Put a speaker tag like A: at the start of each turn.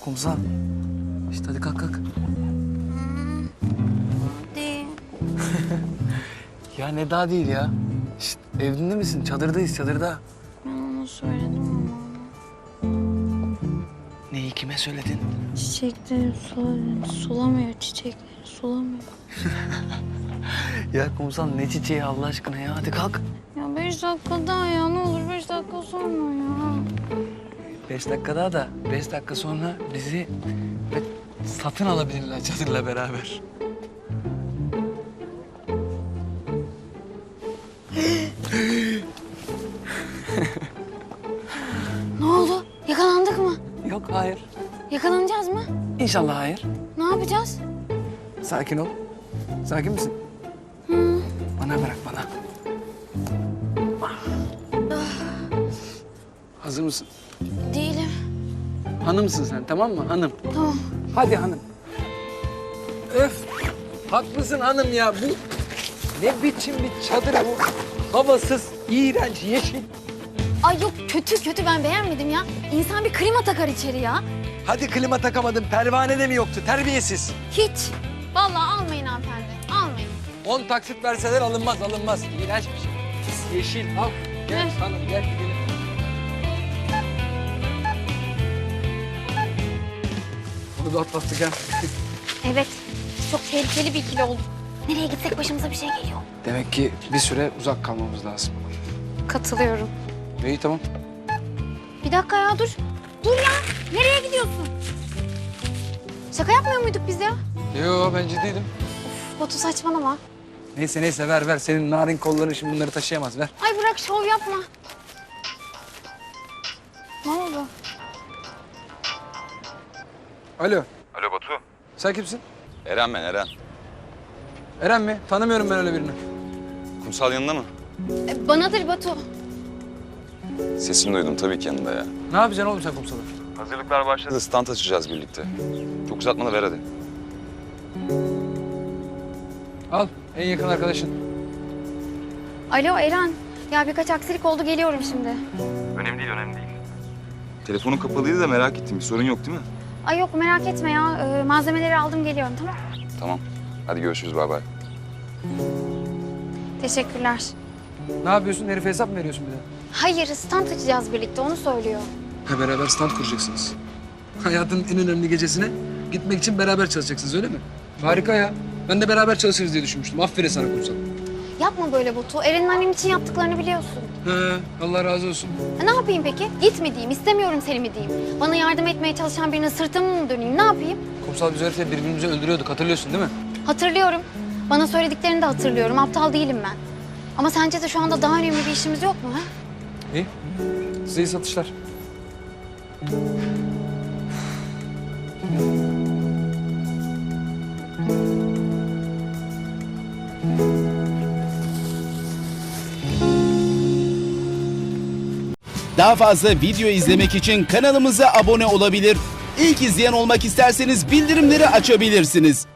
A: Kumsal. İşte hadi kalk kalk.
B: Değil.
A: Ya ne daha değil ya. Şişt, evinde misin? Çadırdayız çadırda.
B: Ben ona söyledim ama.
A: Neyi kime söyledin?
B: Çiçekleri sulamıyor çiçekleri sulamıyor.
A: Ya Kumsal ne çiçeği Allah aşkına ya. Hadi kalk.
B: Ya 5 dakika daha ya ne olur 5 dakika sonra ya.
A: 5 dakika daha da 5 dakika sonra bizi satın alabilirler çadırla beraber.
B: Ne oldu? Yakalandık mı?
A: Yok hayır.
B: Yakalanacağız mı?
A: İnşallah hayır.
B: Ne yapacağız?
A: Sakin ol. Sakin misin? Bana bırak bana. Hazır mısın?
B: Değilim.
A: Hanımsın sen tamam mı? Hanım.
B: Tamam.
A: Hadi hanım. Öf. Haklısın hanım ya. Bu ne biçim bir çadır bu? Havasız, iğrenç, yeşil.
B: Ay yok kötü ben beğenmedim ya. İnsan bir klima takar içeri ya.
A: Hadi klima takamadın. Pervane de mi yoktu? Terbiyesiz.
B: Hiç. Vallahi almayın hanımefendi. Almayın.
A: 10 taksit verseler alınmaz. İğrenç bir şey. Pis yeşil. Al. Gel
B: Ne?
A: hanım gel gidelim. Bunu da atlattık ha.
B: Evet. Çok tehlikeli bir ikili olduk. Nereye gitsek başımıza bir şey geliyor.
A: Demek ki bir süre uzak kalmamız lazım.
B: Katılıyorum.
A: İyi tamam.
B: Bir dakika ya dur. Dur ya. Nereye gidiyorsun? Şaka yapmıyor muyduk biz ya?
A: Yo ben ciddiydim.
B: Batu saçmalama.
A: Neyse ver. Senin narin kolların şimdi bunları taşıyamaz ver.
B: Ay bırak şov yapma. Ne oldu?
A: Alo.
C: Alo Batu.
A: Sen kimsin?
C: Eren ben, Eren.
A: Eren mi? Tanımıyorum ben öyle birini.
C: Kumsal yanında mı?
B: Banadır Batu.
C: Sesini duydum tabii ki yanında ya.
A: Ne yapacaksın oğlum sen kumsalı?
C: Hazırlıklar başladı. Stand açacağız birlikte. Çok uzatma ver hadi.
A: Al en yakın arkadaşın.
B: Alo Eren. Ya birkaç aksilik oldu geliyorum şimdi.
C: Önemli değil. Telefonun kapalıydı da merak ettim. Bir sorun yok değil mi?
B: Ay yok merak etme ya. Malzemeleri aldım geliyorum tamam.
C: Tamam. Hadi görüşürüz bay bay.
B: Teşekkürler.
A: Ne yapıyorsun? Herife hesap mı veriyorsun bir de?
B: Hayır stand açacağız birlikte onu söylüyor.
A: Ha beraber stand kuracaksınız. Hayatın en önemli gecesine gitmek için beraber çalışacaksınız öyle mi? Harika ya. Ben de beraber çalışırız diye düşünmüştüm. Aferin sana kumsal.
B: Yapma böyle Batu. Eren'in annem için yaptıklarını biliyorsun.
A: He, Allah razı olsun.
B: Ne yapayım peki? Gitme diyeyim, istemiyorum seni mi diyeyim? Bana yardım etmeye çalışan birine sırtımı mı döneyim? Ne yapayım?
A: Kumsal biz herifle birbirimizi öldürüyorduk hatırlıyorsun değil mi?
B: Hatırlıyorum. Bana söylediklerini de hatırlıyorum. Aptal değilim ben. Ama sence de şu anda daha önemli bir işimiz yok mu? Ha?
A: İyi. Size iyi satışlar.
D: Daha fazla video izlemek için kanalımıza abone olabilir. İlk izleyen olmak isterseniz bildirimleri açabilirsiniz.